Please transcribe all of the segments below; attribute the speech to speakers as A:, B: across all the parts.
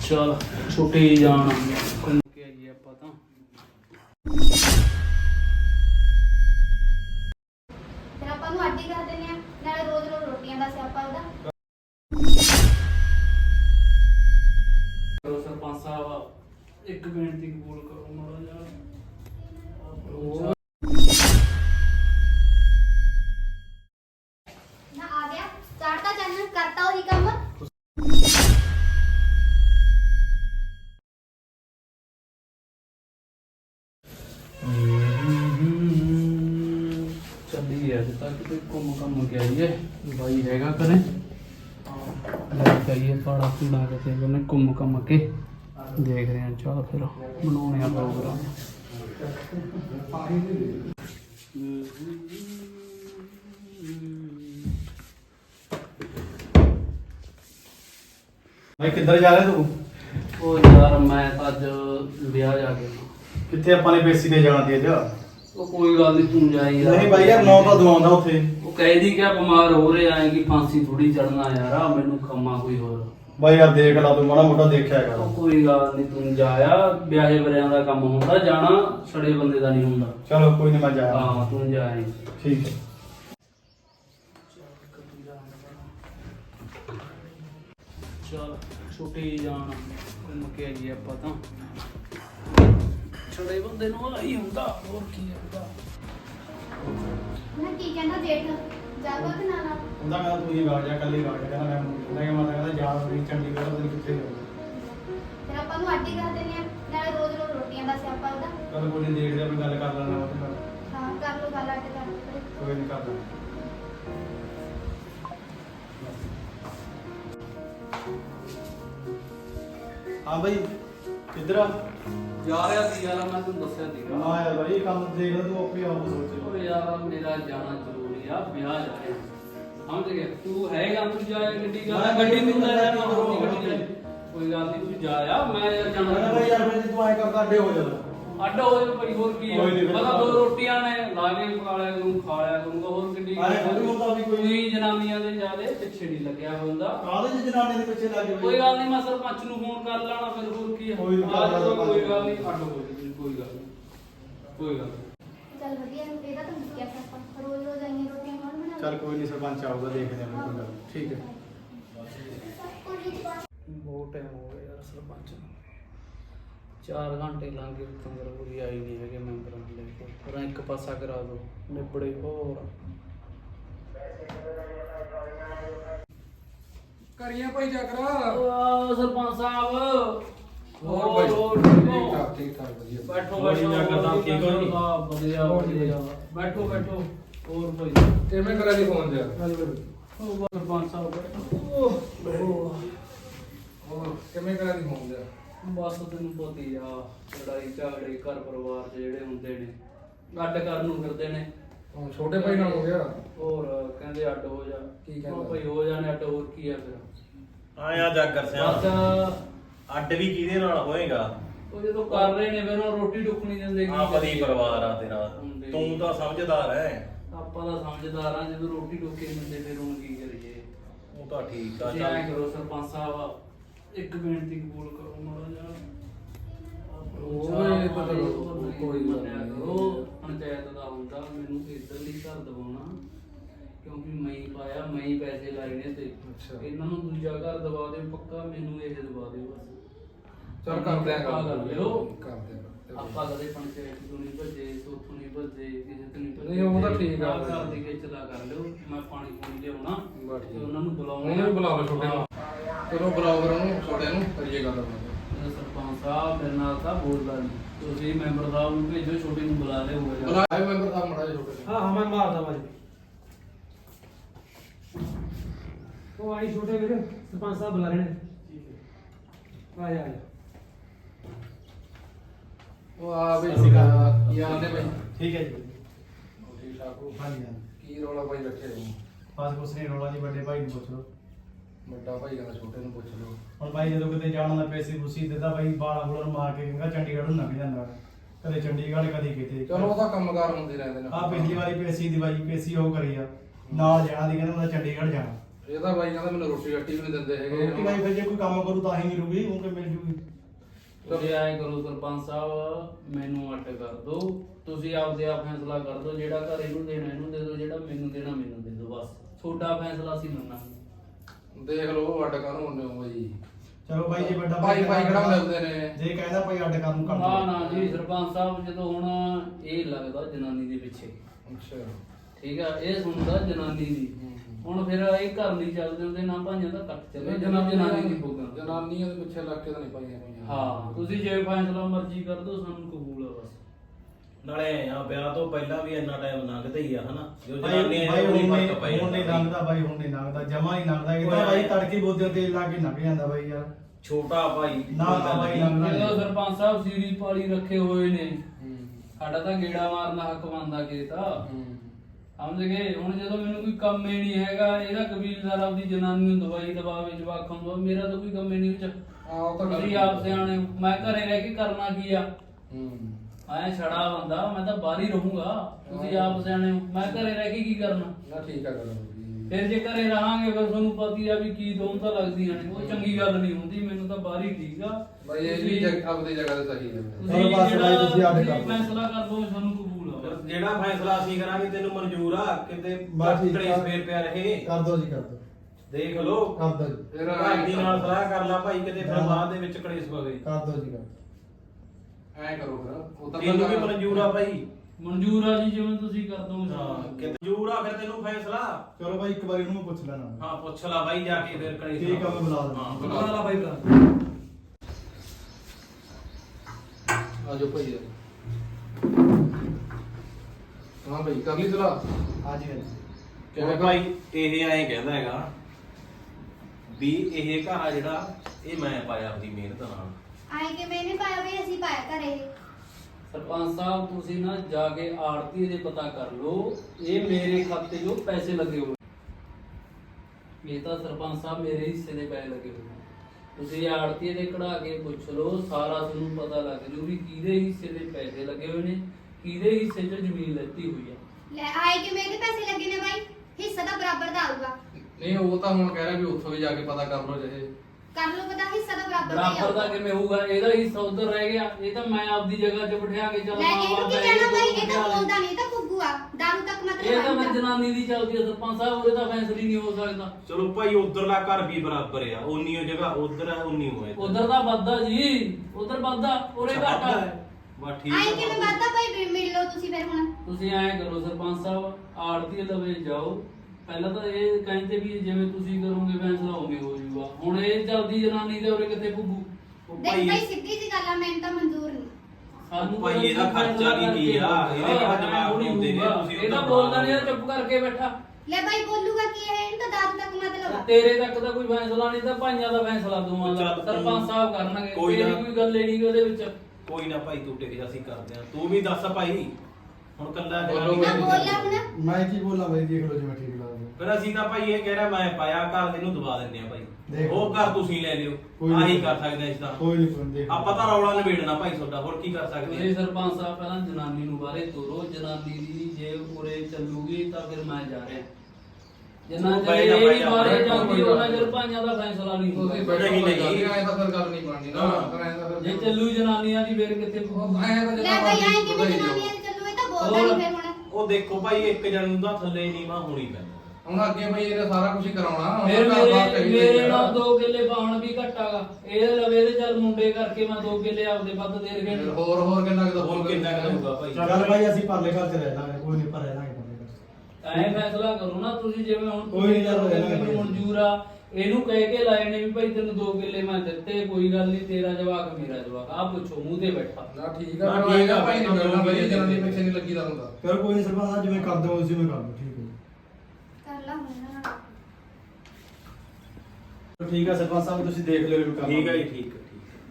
A: चल छुट्टी जाना घूम के आइए आप तो
B: ਫਿਰ ਆਪਾਂ ਨੂੰ ਅੱਡੀ ਕਰ ਦਿੰਦੇ ਆ ਨਾਲੇ ਰੋਜ਼ ਰੋਜ਼ ਰੋਟੀਆਂ ਦਾ ਸਿਆਪਾ ਉਹਦਾ
A: करो सरपंच साहब एक बेनती कबूल करो माड़ा जा
B: ਨਾ ਆ ਗਿਆ ਸਟਾਰਟ ਦਾ ਚੈਨਲ ਕਰਤਾ ਉਹੀ ਕੰਮ
A: ਚੱਲੀ ਅੱਜ ਤੱਕ ਤੇ ਘੁੰਮ ਘੰਮ ਕੇ ਆਈਏ ਬਾਈ ਹੈਗਾ ਕਰੇ ਲੈ ਕੇ ਆਈਏ ਪਾੜਾ ਪੂੜਾ ਕੇ ਤੇ ਉਹਨੇ ਘੁੰਮ ਘੰਮ ਕੇ ਦੇਖ ਰਹੇ ਹਾਂ ਚਲ ਫਿਰ ਬਣਾਉਣੇ ਆ ਪ੍ਰੋਗਰਾਮ
C: भाई किधर जा रहे तू?
A: ਉਹ ਯਾਰ ਮੈਂ ਤਾਂ ਅੱਜ ਵਿਆਹ ਜਾ ਕੇ
C: कितने अपने बेसी ने जाना थी अज?
A: ਉਹ ਕੋਈ ਗੱਲ ਨਹੀਂ ਤੂੰ ਜਾਈ ਯਾਰ
C: नहीं भाई यार नौ तो दवाਉਂਦਾ ਉੱਥੇ
A: ਉਹ ਕਹਿਦੀ ਕਿ ਬਿਮਾਰ ਹੋ ਰਹੇ ਆਏਗੀ ਫਾਂਸੀ ਥੋੜੀ ਚੜਨਾ ਯਾਰ ਆ ਮੈਨੂੰ ਖੰਮਾ ਕੋਈ ਹੋਰ
C: भाई यार देख ला तू माड़ा मोटा देखਿਆ ਕਰ
A: ਉਹ ਕੋਈ ਗੱਲ ਨਹੀਂ ਤੂੰ ਜਾਇਆ ਵਿਆਹੇ ਬਰਿਆਂ ਦਾ ਕੰਮ ਹੁੰਦਾ ਜਾਣਾ ਛੜੇ ਬੰਦੇ ਦਾ ਨਹੀਂ ਹੁੰਦਾ
C: चलो कोई नहीं मैं जा रहा
A: ਹਾਂ ਤੂੰ ਜਾਏ
C: ठीक है
A: ਚਲ ਛੁੱਟੀ ਜਾਣਾ ਘੁੰਮ ਕੇ ਆਈਏ ਆਪਾਂ ਤਾਂ ਛੜੇ ਬੰਦੇ ਨੂੰ ਆਈ ਹੁੰਦਾ ਹੋਰ ਕੀ ਹੁੰਦਾ
B: ਨਾ ਕੀ ਕਹਿੰਦਾ ਜੇਠ ਜਾਗੋ ਤੇ ਨਾ ਨਾ
C: ਉਹਦਾ ਕਹਿੰਦਾ ਤੂੰ ਇਹ ਗਾੜ ਜਾ ਕੱਲੀ ਗਾੜ ਜਾ ਕਹਿੰਦਾ ਮੈਂ ਮਾਤਾ ਕਹਿੰਦਾ ਜਾ ਰਹੀ ਚੰਡੀਗੜ੍ਹ ਪਤਾ ਨਹੀਂ ਕਿੱਥੇ ਹੋਊ
B: ਫਿਰ ਆਪਾਂ ਨੂੰ ਅੱਡੀ ਕਰ ਦਿੰਦੇ ਆ ਨਾਲੇ ਰੋਜ਼ ਰੋਜ਼ ਰੋਟੀਆਂ ਦਾ ਸਿਆਪਾ ਉਹਦਾ
C: ਚਲ ਕੋਈ ਨਹੀਂ ਦੇਖਦੇ ਆਪਾਂ ਗੱਲ ਕਰ ਲੈਣਾ ਉਹਦੇ ਨਾਲ
B: ਹਾਂ ਕਰ ਲੋ ਗੱਲ ਅੱਡ ਕਰ ਲਓ।
C: ਕੋਈ ਨਹੀਂ ਕਰਦਾ हाँ भाई किधर आ
A: ਜਾ ਰਿਹਾ ਸੀ ਯਾਰ ਮੈਂ ਤੈਨੂੰ ਦੱਸਿਆ ਸੀਗਾ
C: हाँ यार भाई काम देख लो तू अपने आप सोच
A: ਓ ਯਾਰ ਮੇਰਾ ਜਾਣਾ ਜ਼ਰੂਰੀ ਆ ਵਿਆਹ ਜਾ ਰਿਹਾ ਸਮਝ ਗਿਆ ਤੂੰ ਹੈਗਾ ਤੂੰ ਜਾਇਆ ਗੱਡੀ
C: ਮੈਂ
A: ਕਰ ਗੱਡੀ ਨੂੰ ਲੈ ਜਾਣਾ ਗੱਡੀ ਲੈ ਕੋਈ ਗੱਲ ਨਹੀਂ ਤੂੰ ਜਾਇਆ ਮੈਂ ਯਾਰ ਜਾਣਾ
C: भाई यार फिर तू आए करता अड्डे हो जा
A: ਅੱਡ ਹੋ ਜਾ ਭਾਈ ਹੋਰ ਕੀ
C: ਕੋਈ ਨੀ, ਫਿਰ
A: ਪਤਾ ਦੋ ਰੋਟੀਆਂ ਨੇ ਲਾ ਕੇ ਖਾ ਲਿਆ ਕਰੂੰ ਖਾ ਲਿਆ ਕਰੂੰਗਾ ਹੋਰ ਗੱਡੀ
C: ਆਏ ਥੋੜੀ ਹੁੰਦਾ ਵੀ ਕੋਈ
A: ਜਨਾਨੀਆਂ ਦੇ ਜਿਆਦੇ ਪਿੱਛੇ ਨਹੀਂ ਲੱਗਿਆ ਹੁੰਦਾ
C: ਕਾਹਦੇ ਚ ਜਨਾਨੇ ਦੇ ਪਿੱਛੇ ਲੱਗ
A: ਕੋਈ ਗੱਲ ਨਹੀਂ ਮੈਂ ਸਰਪੰਚ ਨੂੰ ਫੋਨ ਕਰ ਲੈਣਾ ਫਿਰ ਹੋਰ ਕੀ ਹੈ
C: ਕੋਈ ਨੀ, ਕਰ ਲੈ ਸਰਪੰਚ
A: ਕੋਈ ਗੱਲ ਨਹੀਂ ਅੱਡ ਹੋ ਜੀ ਕੋਈ ਗੱਲ ਨਹੀਂ ਕੋਈ ਗੱਲ ਨੀ।
B: ਚੱਲ ਵਧੀਆ ਇਹਦਾ ਤਾਂ ਮੁੱਕਿਆ ਸਿਆਪਾ ਰੋਜ਼ ਰੋਜ਼ ਆਈਆਂ ਰੋਟੀਆਂ ਕੌਣ ਬਣਾਉਂਦਾ
C: चल कोई नहीं सरपंच आऊगा देखने में कोई गल ठीक है
A: ਬਹੁਤ ਟਾਈਮ ਹੋ ਗਿਆ ਯਾਰ ਸਰਪੰਚ ਨੂੰ 4 ਘੰਟੇ ਲੰਘ ਗਏ ਕੰਗਰ ਪੂਰੀ ਆਈ ਨਹੀਂ ਹੈਗੇ ਮੈਂਬਰਾਂ ਨੂੰ ਲੈ ਕੇ ਪਰ ਇੱਕ ਪਾਸਾ ਕਰਾ ਦੋ ਨਿਬੜੇ ਹੋਰ
D: ਕਰੀਏ ਭਾਈ ਚੱਕਰਾ
A: ਵਾਹ ਸਰਪੰਚ ਸਾਹਿਬ
D: ਹੋਰ ਭਾਈ
A: ਹੋਰ
D: ਠੀਕ ਠਾਕ ਵਧੀਆ
A: ਬੈਠੋ
C: ਹੋਰ ਜੀ, ਜਾਗਰ ਸਾਹਿਬ ਠੀਕ ਹੋ ਜੀ?
A: ਹਾਂ ਵਧੀਆ
D: ਹੋਰ ਜੀ,
A: ਵਧੀਆ ਬੈਠੋ ਬੈਠੋ ਹੋਰ ਭਾਈ
D: ਕਿਵੇਂ ਕਰਿਆ ਜੀ ਫੋਨ ਤੇ
A: ਉਹ ਸਰਪੰਚ ਸਾਹਿਬ ਬੈਠੋ
D: ਹੋਰ ਕਿਵੇਂ ਕਰਿਆ ਜੀ ਫੋਨ ਤੇ
A: ਬਸ ਤੈਨੂੰ ਪਤਾ ਹੀ ਆ ਲੜਾਈ ਝਗੜੇ ਘਰ ਪਰਿਵਾਰ 'ਚ ਜਿਹੜੇ ਹੁੰਦੇ ਨੇ ਅੱਡ ਕਰਨ ਨੂੰ ਫਿਰਦੇ ਨੇ
D: ਹੁਣ ਛੋਟੇ ਭਾਈ ਨਾਲ ਹੋ ਗਿਆ
A: ਹੋਰ ਕਹਿੰਦੇ ਅੱਡ ਹੋ ਜਾ
D: ਕੀ ਕਹਿੰਦਾ?
A: ਉਹ ਭਾਈ ਹੋ ਜਾਣੇ ਅੱਡ ਹੋਰ ਕੀ ਆ ਫਿਰ
E: ਆਇਆ ਜਾਗਰ ਸਿਆ
A: ਬਸ
E: ਅੱਡ ਵੀ ਕਿਹਦੇ ਨਾਲ ਹੋਏਗਾ
A: ਉਹ ਜਦੋਂ ਕਰ ਰਹੇ ਨੇ ਫਿਰ ਉਹ ਰੋਟੀ ਟੁੱਕ ਨਹੀਂ ਦਿੰਦੇ
E: ਆ ਪਤੀ ਪਰਿਵਾਰ ਆ ਤੇਰਾ
A: ਹੁੰਦੇ
E: ਤੂੰ ਤਾਂ ਸਮਝਦਾਰ ਐ
A: ਆਪਾਂ ਤਾਂ ਸਮਝਦਾਰ ਆ ਜਦੋਂ ਰੋਟੀ ਟੁੱਕ ਨਹੀਂ ਦਿੰਦੇ ਫਿਰ ਹੁਣ ਕੀ ਕਰੀਏ
E: ਉਹ ਤਾਂ ਠੀਕ ਆ
A: ਤੁਸੀਂ ਐਂ
E: ਚੱਲ
A: ਕਰੋ ਸਰਪੰਚ ਸਾਹਿਬ ਇੱਕ ਬੇਨਤੀ ਕਬੂਲ ਕਰੋ ਮਾੜਾ ਜਿਹਾ
D: ਉਹ ਇਹ ਤਾਂ ਚਲੋ ਕੋਈ ਗੱਲ ਨਹੀਂ।
A: ਉਹ ਪੰਚਾਇਤ ਦਾ ਹੁੰਦਾ ਮੈਨੂੰ ਇੱਧਰਲੀ ਘਰ ਦਵਾਉਣਾ ਕਿਉਂਕਿ ਮੈਂ ਹੀ ਪਾਇਆ ਮੈਂ ਹੀ ਪੈਸੇ ਲਾਏ ਨੇ ਤੇ
D: ਅੱਛਾ।
A: ਇਹਨਾਂ ਨੂੰ ਦੂਜਾ ਘਰ ਦਵਾ ਦਿਓ ਪੱਕਾ ਮੈਨੂੰ ਇਹ ਦਵਾ ਦਿਓ ਬਸ
D: ਚਲ ਕਰਦੇ ਆ
A: ਪੱਕਾ ਕਰ ਲਿਓ
D: ਕਰਦੇ ਆ
A: ਆਪਾਂ ਕਦੇ ਪੰਚਾਇਤ ਤੋਂ ਨਹੀਂ ਭੱਜੇ ਸੋਥੋਂ ਨਹੀਂ ਭੱਜੇ ਕਿਸੇ ਤੋਂ ਨਹੀਂ ਭੱਜੇ
D: ਨਹੀਂ, ਉਹ ਤਾਂ ਠੀਕ ਆ।
A: ਘਰ ਦੀ ਖੇਚਲਾ ਕਰ ਲਿਓ ਮੈਂ ਪਾਣੀ ਪੂਣੀ ਲਿਆਉਣਾ
D: ਬਸ ਠੀਕ।
A: ਤੇ ਉਹਨਾਂ ਨੂੰ ਬੁਲਾਉਣਾ
D: ਉਹਨੂੰ ਵੀ ਬੁਲਾ ਲਓ ਛੋਟੇ ਨੂੰ
A: ਹਾਂ।
D: ਚਲੋ ਬੁਲਾਓ ਫਿਰ ਉਹਨੂੰ ਛੋਟੇ ਨੂੰ ਕਰੀਏ ਗੱਲ
A: ਮੇਰਾ ਸਰਪੰਚ ਸਾਹਿਬ ਮੇਰੇ ਨਾਲ ਤਾਂ ਬੋਲਦਾ ਨਹੀਂ ਤੁਸੀਂ ਮੈਂਬਰ ਸਾਹਿਬ ਨੂੰ ਭੇਜੋ ਛੋਟੇ ਨੂੰ ਬੁਲਾ ਲਿਓ
D: ਬੁਲਾਏ ਮੈਂਬਰ ਸਾਹਿਬ ਮੜਾ ਛੋਟੇ ਨੂੰ
F: हाँ हाँ मैं मारदा भाई वो आई छोटे वीर सरपंच साहब बुला रहे हैं आ जा
D: ਉਹ ਆ ਬਈ
C: ਸਤਿ ਸ਼੍ਰੀ ਅਕਾਲ।
D: ਕੀ ਹਾਲ ਨੇ ਭਾਈ
C: ठीक है जी
D: ਠੀਕ ਠਾਕ ਹੋ
C: हाँ जी हाँ
D: ਕੀ ਰੌਲਾ ਭਾਈ ਰੱਖਿਆ ਜੀ
C: बस कुछ नहीं रोला जी बड़े भाई ਨੂੰ ਪੁੱਛ ਲਓ
D: ਵੱਡਾ ਭਾਈ ਕਹਿੰਦਾ ਛੋਟੇ ਨੂੰ ਪੁੱਛ ਲਓ
C: ਹੁਣ ਭਾਈ ਜਦੋਂ ਕਿਤੇ ਜਾਣ ਦਾ ਪੈਸੇ ਪੂਸੀ ਦਿੱਤਾ ਭਾਈ ਬਾਲਾਂ ਬੁਲਾਂ ਮਾਰ ਕੇ ਕਹਿੰਦਾ ਚੰਡੀਗੜ੍ਹ ਨੂੰ ਲੰਘ ਜਾਂਦਾ ਕਦੇ ਚੰਡੀਗੜ੍ਹ ਕਦੇ ਕਿਤੇ
D: ਚਲੋ ਉਹਦਾ ਕੰਮਕਾਰ ਹੁੰਦੇ ਰਹਿੰਦੇ ਨੇ
C: ਆ ਪਿਛਲੀ ਵਾਰੀ ਪੇਸੀ ਦੀ ਭਾਈ ਪੇਸੀ ਉਹ ਕਰੀ ਆ ਨਾਲ ਜਾਣਾ ਦੀ ਕਹਿੰਦਾ ਮੈਂ ਚੰਡੀਗੜ੍ਹ ਜਾਣਾ
D: ਇਹ ਤਾਂ ਬਾਈ ਕਹਿੰਦਾ ਮੈਨੂੰ ਰੋਟੀ ਰੱਟੀ ਵੀ ਨਹੀਂ ਦਿੰਦੇ ਹੈਗੇ
C: ਰੋਟੀ ਬਾਈ ਫਿਰ ਜੇ ਕੋਈ ਕੰਮ ਕਰੂ ਤਾਂ ਹੀ ਮਿਲੂਗੀ ਉਹ ਕਿ ਮਿਲ ਜੂਗੀ।
A: ਤੁਸੀਂ ਆਏ ਕਰੋ ਸਰਪੰਚ ਸਾਹਿਬ, ਮੈਨੂੰ ਅੱਡ ਕਰ ਦਿਓ। ਤੁਸੀਂ ਆਪਦੇ ਆਪ ਫੈਸਲਾ ਕਰ ਦਿਓ, ਜਿਹੜਾ ਘਰ ਇਹਨੂੰ ਦੇਣਾ ਇਹਨੂੰ ਦੇ ਦਿਓ, ਜਿਹੜਾ ਮੈਨੂੰ ਦੇਣਾ ਮੈਨੂੰ ਦੇ ਦਿਓ, ਬਸ ਤੁਹਾਡਾ ਫੈਸਲਾ ਅਸੀਂ ਮੰਨਾਂਗੇ।
D: ਦੇਖ ਲਓ ਅੱਡ ਕਾਹਨੂੰ ਹੁੰਦੇ ਹੋ ਬਾਈ।
C: ਚਲੋ ਬਾਈ ਜੇ ਵੱਡਾ
D: ਭਾਈ ਕਿਹੜਾ ਮਿਲਦੇ ਨੇ।
C: ਜੇ ਕਹਿੰਦਾ ਭਾਈ ਅੱਡ ਕਰਨ ਨੂੰ ਕਰ
A: ਨਾ
C: ਦਿਓ।
A: ਨਾ ਜੀ ਸਰਪੰਚ ਸਾਹਿਬ, ਜਦੋਂ ਹੁਣ ਇਹ ਲੱਗਦਾ ਜਨਾਨੀ ਦੇ ਪਿੱਛੇ,
D: ਅੱਛਾ
A: ਠੀਕ ਆ, ਇਹ ਸੁਣਦਾ ਜਨਾਨੀ ਦੀ। ਹੁਣ ਫਿਰ ਇਹ ਘਰ ਨਹੀਂ ਚੱਲਦੇ ਹੁੰਦੇ, ਨਾ ਭਾਈਆਂ ਦਾ ਕੱਟ ਚੱਲੇ, ਜਨਾਨੀ ਦੀ ਭੋਗਾਂ।
D: ਜਨਾਨੀਆਂ ਦੇ ਪਿੱਛੇ ਲੱਗ ਕੇ ਤਾਂ ਨਹੀਂ ਪਾਈਆਂ ਪਈਆਂ।
A: ਹਾਂ ਤੁਸੀਂ ਜੇ ਫੈਸਲਾ ਮਰਜ਼ੀ ਕਰ ਦਿਓ, ਸਾਨੂੰ ਕਬੂਲ ਆ ਬਸ।
E: ਨਾਲੇ ਆ ਵਿਆਹ ਤੋਂ ਪਹਿਲਾਂ ਵੀ ਇੰਨਾ ਟਾਈਮ ਲੰਘਦਾ ਹੀ ਆ ਹਨਾ, ਜੋ
C: ਬਾਈ
E: ਜਨਾਨੀਆਂ
C: ਬਾਈ
E: ਉਹਦੀ
C: ਹੁਣ
E: ਫਰਕ ਪੈ
C: ਨਹੀਂ
E: ਜਾਂਦਾ
C: ਲੰਘਦਾ ਬਾਈ, ਹੁਣ ਨਹੀਂ ਲੰਘਦਾ, ਜਮਾ ਨਹੀਂ ਲੰਘਦਾ। ਇਹ ਤਾਂ ਬਾਈ ਤੜਕੀ ਬੋਦੇ ਤੇਲ ਲਾ ਕੇ ਲੰਘ ਜਾਂਦਾ ਬਾਈ ਯਾਰ।
E: ਛੋਟਾ ਭਾਈ
C: ਨਾ ਨਾ ਬਾਈ ਲੰਘਦਾ
A: ਜਦੋਂ
C: ਨਹੀਂ।
A: ਸਰਪੰਚ ਸਾਹਿਬ ਸੀਰੀ ਪਾਲੀ ਰੱਖੇ ਹੋਏ ਨੇ,
D: ਹੂੰ
A: ਸਾਡਾ ਤਾਂ ਗੇੜਾ ਮਾਰਨ ਦਾ ਹੱਕ ਬਣਦਾ ਖੇਤਾ,
D: ਹੂੰ
A: ਸਮਝ ਗਏ। ਹੁਣ ਜਦੋਂ ਮੈਨੂੰ ਕੋਈ ਕੰਮ ਹੀ ਨਹੀਂ ਹੈਗਾ, ਇਹਦਾ ਕਬੀਲਦਾਰ ਆਪਦੀ ਜਨਾਨੀ ਨੂੰ ਦਵਾਈ ਦਵਾਵੇ, ਜਵਾਕਾਂ ਨੂੰ, ਮੇਰਾ ਤਾਂ ਕੋਈ ਕੰਮ ਹੀ ਨਹੀਂ ਵਿੱਚ।
D: ਆ ਉਹ ਤਾਂ ਗੱਲ
A: ਤੁਸੀਂ ਆਪ ਸਿਆਣੇ ਹੋ, ਮੈਂ ਘਰੇ ਰਹਿ ਕੇ ਕਰਨਾ ਕੀ ਆ?
D: ਹੂੰ
A: ਮੈਂ ਛੜਾ ਬੰਦਾ, ਮੈਂ ਤਾਂ ਬਾਹਰ ਹੀ ਰਹੂੰਗਾ। ਤੁਸੀਂ ਆਪ ਸਿਆਣੇ ਹੋ, ਮੈਂ ਘਰੇ ਰਹਿ ਕੇ ਕੀ ਕਰਨਾ?
D: ਨਾ ਠੀਕ ਆ ਗੱਲ ਹੋ ਗਈ।
A: ਫਿਰ ਜੇ ਘਰੇ ਰਹਾਂਗੇ ਫਿਰ ਤੁਹਾਨੂੰ ਪਤੀ ਆ ਵੀ ਕੀ ਦੋਨ ਤਾਂ ਲੱਗਦੀਆਂ ਨੇ, ਉਹ ਚੰਗੀ ਗੱਲ ਨਹੀਂ ਹੁੰਦੀ। ਮੈਨੂੰ ਤਾਂ ਬਾਹਰ ਹੀ ਠੀਕ ਆ।
D: ਬਾਈ ਇਹ ਵੀ ਆਪਣੀ ਜਗ੍ਹਾ ਤੇ ਸਹੀ ਹੈ।
A: ਤੁਸੀਂ
C: ਬਸ ਬਾਈ ਤੁਸੀਂ ਅੱਡ
A: ਜਿਹੜਾ
C: ਕਰ ਦਿਓ।
A: ਫੈਸਲਾ ਕਰ ਦੋ ਸਾਨੂੰ ਕਬੂਲ ਆ ਬਸ।
E: ਜਿਹੜਾ ਫੈਸਲਾ ਅਸੀਂ ਕਰਾਂਗੇ ਤੈਨੂੰ ਮਨਜ਼ੂਰ ਆ? ਕਿਤੇ
C: ਬਸ ਠੀਕ ਆ।
E: ਕਲੇਸ਼ ਫੇਰ ਪਿਆ ਰਹੇ।
C: ਕਰ ਦੋ ਜੀ, ਕਰ ਦੋ,
E: ਦੇਖ ਲਓ
C: ਕਰ ਦੋ ਜੀ,
D: ਫਿਰ
E: ਘਰ ਦੀ ਨਾਲ ਸਲਾਹ ਕਰ ਲਾ ਭਾਈ, ਕਿਤੇ ਫਿਰ ਬਾਅਦ ਦੇ ਵਿੱਚ ਕਲੇਸ਼ ਪਵੇ।
C: ਕਰ ਦੋ ਜੀ, ਕਰ ਦੋ।
D: ਐ ਕਰੋ ਫਿਰ ਉਹ ਤਾਂ
E: ਤੈਨੂੰ ਵੀ ਮਨਜ਼ੂਰ ਆ ਭਾਈ?
A: ਮਨਜ਼ੂਰ ਆ ਜੀ, ਜਿਵੇਂ ਤੁਸੀਂ ਕਰ ਦੋਗੇ
E: ਹਾਂ
A: ਸਾਨੂੰ।
E: ਕਿਤੇ ਮਨਜ਼ੂਰ ਆ ਫਿਰ ਤੈਨੂੰ ਫੈਸਲਾ?
C: ਚਲੋ ਬਾਈ ਇੱਕ ਵਾਰੀ ਉਹਨੂੰ ਪੁੱਛ ਲੈਣਾ।
E: ਹਾਂ ਪੁੱਛ ਲਾ ਬਾਈ ਜਾ ਕੇ, ਫਿਰ ਕਲੇਸ਼
C: ਠੀਕ ਆ, ਮੈਂ ਬੁਲਾ ਦਿੰਦਾ।
E: ਹਾਂ,
F: ਬਣਾ ਲਾ ਬਾਈ ਬਣਾ।
D: ਆਜੋ ਭਾਈ ਯਾਰ। ਹਾਂ ਭਾਈ ਕਰ ਲਈ ਸਲਾਹ।
C: ਹਾਂਜੀ ਹਾਂਜੀ।
E: ਕਿਵੇਂ ਭਾਈ ਇਹ ਐਂ ਕਹਿੰਦਾ ਹੈਗਾ ਵੀ ਇਹ ਘਰ ਆ ਜਿਹੜਾ ਇਹ ਮੈਂ ਪਾਇਆ ਆਪਦੀ ਮਿਹਨਤ ਨਾਲ।
B: ਆਏ ਕਿ ਮੈਨੇ ਪਾਇਆ ਵੀ ਅਸੀਂ ਪਾਇਆ ਘਰੇ।
A: ਸਰਪੰਚ ਸਾਹਿਬ ਤੁਸੀਂ ਨਾ ਜਾ ਕੇ ਆੜਤੀ ਦੇ ਪਤਾ ਕਰ ਲਓ, ਇਹ ਮੇਰੇ ਖਾਤੇ 'ਚੋਂ ਪੈਸੇ ਲੱਗੇ ਹੋਏ। ਇਹ ਤਾਂ ਸਰਪੰਚ ਸਾਹਿਬ ਮੇਰੇ ਹਿੱਸੇ ਦੇ ਪੈਸੇ ਲੱਗੇ ਹੋਏ। ਤੁਸੀਂ ਆੜਤੀ ਦੇ ਕਢਾ ਕੇ ਪੁੱਛ ਲਓ, ਸਾਰਾ ਤੁਹਾਨੂੰ ਪਤਾ ਲੱਗ ਜੂ ਵੀ ਕਿਹਦੇ ਹਿੱਸੇ ਦੇ ਪੈਸੇ ਲੱਗੇ ਹੋਏ ਨੇ, ਕਿਹਦੇ ਹਿੱਸੇ 'ਚ ਜ਼ਮੀਨ ਲੈਤੀ ਹੋਈ ਆ।
B: ਲੈ ਆਏ ਕਿ ਮੇਰੇ ਪੈਸੇ ਲੱਗੇ ਨੇ ਬਾਈ, ਹਿੱਸਾ ਤਾਂ ਬਰਾਬਰ ਦਾ ਆਊਗਾ।
D: ਨਹੀਂ ਉਹ ਤਾਂ ਹੁਣ ਕਹਿ ਰਿਹਾ ਵੀ ਉੱਥੋਂ ਵੀ ਜਾ ਕੇ ਪਤਾ ਕਰ ਲਓ ਜਿਹੇ।
B: ਕਰ ਲਓ ਪਤਾ, ਹਿੱਸਾ ਤਾਂ ਬਰਾਬਰ ਦਾ ਹੀ
A: ਬਰਾਬਰ ਦਾ
B: ਆਊਗਾ।
A: ਕਿਵੇਂ ਹੋਊਗਾ? ਇਹਦਾ ਹਿੱਸਾ ਉਧਰ ਰਹਿ ਗਿਆ, ਇਹ ਤਾਂ ਮੈਂ ਆਪਦੀ ਜਗ੍ਹਾ 'ਚ ਬਿਠਾ ਕੇ ਚੱਲ
B: ਲੈ ਇਹਨੂੰ ਕੀ ਕਹਿਣਾ ਬਾਈ, ਇਹ ਤਾਂ ਬੋਲਦਾ ਨਹੀਂ, ਇਹ ਤਾਂ ਫੁੱਗੂ ਆ, ਦਾਰੂ ਤੱਕ
A: ਇਹ
B: ਮਤਲਬ
A: ਤਾਂ ਮੈਂ
B: ਆਊਗਾ।
A: ਜਨਾਨੀ ਦੀ ਚੱਲਦੀ ਆ ਸਰਪੰਚ ਸਾਹਿਬ, ਉਹਦੇ ਤਾਂ ਫੈਸਲਾ ਹੀ ਨਹੀਂ ਹੋ ਸਕਦਾ।
E: ਚਲੋ ਭਾਈ ਉਧਰਲਾ ਘਰ ਵੀ ਬਰਾਬਰ ਆ, ਉਨੀ ਉਹ ਜਗ੍ਹਾ ਉਧਰ ਹੈ ਉਨੀ ਉਹ ਹੈ।
A: ਉਧਰ ਦਾ ਵੱਧਦਾ ਜੀ, ਉਧਰ ਵੱਧਦਾ, ਉਰੇ ਘਾਟਾ ਹੈ।
E: ਬਸ ਠੀਕ
B: ਆਏ
E: ਆ
B: ਕਿਵੇਂ ਵਾਦਾ ਭਾਈ, ਮਿਲ ਲਓ ਤੁਸੀਂ ਫਿਰ ਹੁਣ।
A: ਤੁਸੀਂ ਐਂ ਕਰੋ ਸਰਪੰਚ ਸਾਹਿਬ, ਆੜਤੀ ਲਵੇ ਜਾਓ। ਪਹਿਲਾਂ ਤਾਂ ਇਹ ਕਹਿੰਦੇ ਵੀ ਜਿਵੇਂ ਤੁਸੀਂ ਕਰੋਗੇ ਫੈਸਲਾ ਉਵੇਂ ਹੋ ਜਾਊਗਾ। ਹੁਣ ਇਹ ਚੱਲਦੀ ਜਨਾਨੀ ਦੇ ਉਰੇ ਕਿੱਥੇ ਭੁੱਬੂ?
E: ਉਹ
B: ਦੇਖ
E: ਭਾਈ
B: ਭਾਈ ਸਿੱਧੀ ਜੀ ਗੱਲ ਆ, ਮੈਨੂੰ ਤਾਂ ਮਨਜ਼ੂਰ ਨਹੀਂ।
A: ਸਾਨੂੰ
E: ਭਾਈ
A: ਤਾਂ
E: ਇਹਦਾ ਖਰਚਾ ਵੀ ਕੀ ਆ? ਇਹਦੇ ਕਿਹੜਾ ਜਵਾਬ
A: ਥੋੜ੍ਹੀ
E: ਹੁੰਦੇ ਨੇ,
A: ਹੋਊਗਾ।
E: ਤੁਸੀਂ
A: ਇਹ ਤਾਂ
E: ਉਹਦਾ
A: ਬੋਲਦਾ ਨਹੀਂ, ਇਹ ਚੁੱਪ ਕਰਕੇ ਬੈਠਾ।
B: ਲੈ ਭਾਈ ਬੋਲੂਗਾ ਕੀ ਹੈ, ਇਹਨੂੰ ਤਾਂ ਦਾਰੂ ਤੱਕ ਮਤਲਬ ਆ।
A: ਤੇਰੇ ਤੱਕ ਦਾ ਕੋਈ ਫੈਸਲਾ ਨਹੀਂ, ਤਾਂ ਭਾਈਆਂ ਦਾ ਫੈਸਲਾ ਦੋਵਾਂ ਦਾ
E: ਚੱਲ ਤੂੰ-
A: ਸਰਪੰਚ ਸਾਹਿਬ ਕਰਨਗੇ।
E: ਕੋਈ
A: ਤੇਰੀ
E: ਨਾ।
A: ਕੋਈ ਗੱਲ ਹੀ ਨਹੀਂ ਉਹਦੇ ਵਿੱਚ।
E: ਕੋਈ ਨਾ ਭਾਈ ਤੂੰ ਟਿਕ ਜਾ, ਅਸੀਂ ਕਰਦੇ ਆ। ਤੂੰ ਵੀ ਦੱਸ ਭਾਈ, ਹੁਣ ਕੱਲਾ
D: ਬੋਲੋ
E: ਜਨਾਨੀ
B: ਨਾ
D: ਭਾਈ।
B: ਬੋਲ ਲੈ ਹੁਣ।
C: ਮੈਂ ਕੀ ਬੋਲਾਂ ਬਾਈ, ਦੇਖ ਲਓ ਜਿਵੇਂ ਠੀਕ ਲੱਗਦਾ।
E: ਫਿਰ ਅਸੀਂ ਤਾਂ ਭਾਈ ਇਹ ਕਹਿ ਰਿਹਾ ਮੈਂ ਪਾਇਆ ਘਰ ਇਹਨੂੰ ਦਬਾ ਦਿੰਦੇ ਆ ਭਾਈ।
C: ਦੇਖ।
E: ਉਹ ਘਰ ਤੁਸੀਂ ਲੈ ਲਿਓ,
C: ਕੋਈ
E: ਆਹੀ
C: ਨਹੀਂ।
E: ਕਰ ਸਕਦੇ ਇਸ ਤਾਂ।
C: ਕੋਈ ਨਹੀਂ, ਕੋਈ ਦੇਖ।
E: ਆਪਾਂ ਤਾਂ ਰੌਲਾ ਨਿਬੇੜਨਾ ਭਾਈ ਤੁਹਾਡਾ, ਹੋਰ ਕੀ ਕਰ ਸਕਦੇ
A: ਤੁਸੀਂ
E: ਆ?
A: ਸਰਪੰਚ ਸਾਹਿਬ ਪਹਿਲਾਂ ਜਨਾਨੀ ਨੂੰ ਬਾਹਰੇ ਤੋਰੋ। ਜਨਾਨੀ ਦੀ ਜੇ ਉਰੇ ਚੱਲੂਗੀ ਤਾਂ ਫਿਰ ਮੈਂ ਜਾ ਰਿਹਾ। ਜਿੰਨਾ
E: ਉਹ
A: ਚਿਰ
E: ਬਹਿ ਜਾ,
A: ਇਹ
E: ਬਹਿ ਜਾ,
A: ਬਾਹਰੇ
E: ਬਹਿ ਜਾ,
A: ਜਾਂਦੀ ਉਹਨਾਂ ਚਿਰ ਭਾਈਆਂ ਦਾ ਫੈਸਲਾ ਨਹੀਂ
D: ਤੁਸੀਂ
A: ਹੁੰਦਾ।
D: ਬੈਠੋ
E: ਨਹੀਂ,
D: ਕੋਈ
E: ਨਹੀਂ।
D: ਗੱਲ ਤਾਂ ਫਿਰ ਗੱਲ ਨਹੀਂ ਬਣਨੀ ਨਾ। ਐਂ ਤਾਂ ਫਿਰ
A: ਜੇ ਚੱਲੂ ਜਨਾਨੀਆਂ ਦੀ ਫਿਰ ਕਿੱਥੇ
D: ਐਂ ਤਾਂ
B: ਲੈ ਭਾਈ ਆਏ ਕਿਵੇਂ ਜਨਾਨੀਆਂ ਦੇ ਚੱਲੂ, ਇਹ ਤਾਂ ਬੋਲਦਾ ਨਹੀਂ ਫਿਰ ਹੁਣ।
E: ਉਹ ਦੇਖੋ ਭਾਈ ਇੱਕ ਜਣ ਦਾ ਥੱਲੇ ਨੀਵਾ ਹੋਣੀ ਪੈਂਦਾ।
D: ਹੁਣ ਅੱਗੇ ਭਾਈ ਇਹਨੇ ਸਾਰਾ ਕੁਝ ਹੀ ਕਰਾਉਣਾ। ਹੁਣ
A: ਫਿਰ
D: ਘਰ ਬਾਰ
A: ਮੇਰੇ
D: ਚਾਹੀਦਾ
A: ਮੇਰੇ
D: ਹੀ
A: ਨਾਲ
D: ਆ।
A: 2 ਕਿੱਲੇ ਪਾਉਣ ਵੀ ਘਟਾਗਾ। ਇਹ ਲਵੇ ਦੇ ਚੱਲ ਮੁੰਡੇ ਕਰਕੇ ਮੈਂ 2 ਕਿੱਲੇ ਆਪਦੇ ਵੱਧ ਦੇ ਰਗੇ।
D: ਫਿਰ ਹੋਰ ਕਿੰਨਾ ਕੁ
E: ਹੋਰ ਕਿੰਨਾ ਕੁ ਦਊਗਾ ਭਾਈ?
C: ਚੱਲ ਬਾਈ ਅਸੀਂ ਪਰਲੇ ਘਰ ਚ ਰਹਿ ਲਾਂਗੇ, ਕੋਈ ਨਹੀਂ, ਪਰ ਰਹਿ ਲਾਂਗੇ ਪਰਲੇ ਘਰ ਚ।
A: ਐ ਫੈਸਲਾ ਕਰੋ ਨਾ ਤੁਸੀਂ, ਜਿਵੇਂ ਹੁਣ
C: ਕੋਈ ਨਹੀਂ ਯਾਰ,
A: ਕਰੋਗੇ,
C: ਰਹਿਣਾ
A: ਮੈਨੂੰ ਮਨਜ਼ੂਰ ਆ। ਇਹਨੂੰ ਕਹਿ ਕੇ ਲਾਏ ਨੇ ਵੀ ਭਾਈ ਤੈਨੂੰ 2 ਕਿੱਲੇ ਮੈਂ ਦਿੱਤੇ, ਕੋਈ ਗੱਲ ਨਹੀਂ, ਤੇਰਾ ਜਵਾਕ ਮੇਰਾ ਜਵਾਕ। ਆ ਪੁੱਛੋ ਮੂੰਹ ਤੇ ਬੈਠਾ।
D: ਨਾ ਠੀਕ ਆ,
E: ਨਾ
D: ਫਿਰ
E: ਠੀਕ ਆ,
D: ਭਾਈ ਨਹੀਂ ਮਿਲਣਾ ਭਾਈ,
E: ਠੀਕ ਆ।
D: ਜਨਾਨੀ ਪਿੱਛੇ ਨਹੀਂ ਲੱਗੀਦਾ ਹੁੰਦਾ।
C: ਚਲੋ ਕੋਈ ਨਹੀਂ ਸਰਪੰਚ ਸਾਹਿਬ, ਜਿਵੇਂ ਕਰ ਦਿਓ ਉਸੇ ਮੈਂ ਕਰ ਦਿਓ, ਠੀਕ ਹੈ ਜੀ।
B: ਕਰ ਲਾ ਹੁਣ ਇਹਨਾਂ ਨਾਲ।
C: ਠੀਕ ਹੈ ਸਰਪੰਚ ਸਾਹਿਬ, ਤੁਸੀਂ ਦੇਖ ਲਿਓ ਵੀ ਕੰਮ।
E: ਠੀਕ ਹੈ ਜੀ, ਠੀਕ ਹੈ, ਠੀਕ ਹੈ।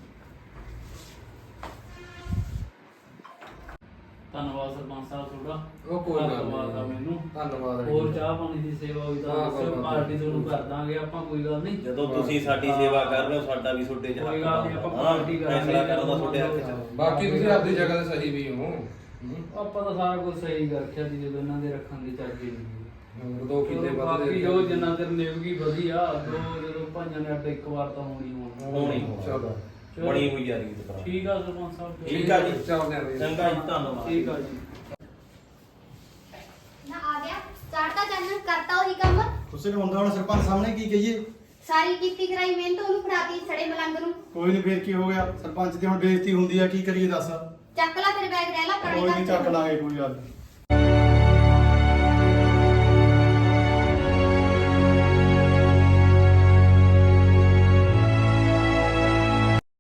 A: ਧੰਨਵਾਦ ਸਰਪੰਚ ਸਾਹਿਬ ਤੁਹਾਡਾ।
D: ਉਹ ਕੋਈ ਗੱਲ
A: ਧੰਨਵਾਦ ਆ
D: ਨਹੀਂ।
A: ਮੈਨੂੰ।
D: ਧੰਨਵਾਦ
A: ਹੋਰ ਚਾਹ ਪਾਣੀ ਦੀ ਸੇਵਾ ਹੋਈ ਤਾਂ
D: ਹਾਂ,
A: ਦੱਸਿਓ,
D: ਕੋਈ ਗੱਲ
A: ਪਾਰਟੀ
D: ਨਹੀਂ।
A: ਤੁਹਾਨੂੰ ਕਰ ਦਾਂਗੇ ਆਪਾਂ, ਕੋਈ ਗੱਲ ਨਹੀਂ।
E: ਜਦੋਂ ਤੁਸੀਂ ਸਾਡੀ ਸੇਵਾ ਕਰ ਰਹੇ ਹੋ, ਸਾਡਾ ਵੀ ਤੁਹਾਡੇ ਚ
A: ਕੋਈ
E: ਹੱਕ
A: ਗੱਲ ਨਹੀਂ, ਆਪਾਂ
E: ਬਣਦਾ।
A: ਪਾਰਟੀ ਕਰਾਂਗੇ।
E: ਫੈਸਲਾ ਕਰਨ ਦਾ ਤੁਹਾਡੇ ਹੱਥ ਚ।
D: ਬਾਕੀ ਤੁਸੀਂ ਆਪਣੀ ਜਗ੍ਹਾ ਤੇ ਸਹੀ ਵੀ ਹੋ।
A: ਆਪਾਂ ਤਾਂ ਸਾਰਾ ਕੁਝ ਸਹੀ ਕਰ ਰੱਖਿਆ ਸੀ, ਜਦੋਂ ਇਹਨਾਂ ਦੇ ਰੱਖਣ ਦੀ ਚੱਜ ਹੀ ਨਹੀਂ।
D: ਦੋ ਕਿੱਲੇ ਵੱਧ
A: ਬਾਕੀ ਜੋ ਜਿੰਨਾ ਚਿਰ ਨਿਭਗੀ ਵਧੀਆ ਦੋ ਜਦੋਂ ਭਾਈਆਂ ਨੇ ਅੱਡ ਇੱਕ ਵਾਰ ਤਾਂ ਹੋਣੀ
E: ਹੋਣੀ
D: ਚਲੋ
E: ਬਣੀ ਹੋਈ ਯਾਰੀ ਦੀ ਤਰ੍ਹਾਂ
A: ਠੀਕ ਆ ਸਰਪੰਚ ਸਾਹਿਬ
E: ਠੀਕ ਆ ਜੀ
D: ਚੱਲਦੇ ਆ ਬਈ
E: ਚੰਗਾ ਜੀ ਧੰਨਵਾਦ
A: ਠੀਕ ਆ ਜੀ
B: ਨਾ ਆ ਗਿਆ ਚਾੜਤਾ ਚੰਨ ਕਰਤਾ ਉਹੀ ਕੰਮ
C: ਤੁਸੀਂ ਨੂੰ ਹੁੰਦਾ ਹੁਣ ਸਰਪੰਚ ਸਾਹਮਣੇ ਕੀ ਕਹੀਏ
B: ਸਾਰੀ ਕੀਤੀ ਕਰਾਈ ਮਿਹਨਤ ਉਹਨੂੰ ਫੜਾਤੀ ਸੜੇ ਮਲੰਗ ਨੂੰ
C: ਕੋਈ ਨਹੀਂ ਫੇਰ ਕੀ ਹੋ ਗਿਆ ਸਰਪੰਚ ਦੀ ਹੁਣ ਬੇਇੱਜ਼ਤੀ ਹੁੰਦੀ ਆ ਕੀ ਕਰੀਏ ਦੱਸ
B: ਚੱਕ ਲੈ ਫਿਰ ਬੈਗ ਰਹਿ ਲਾ
C: ਕੋਈ ਨਹੀਂ ਚੱਕ ਲਾਂਗੇ ਕੋਈ ਗੱਲ ਨੀ।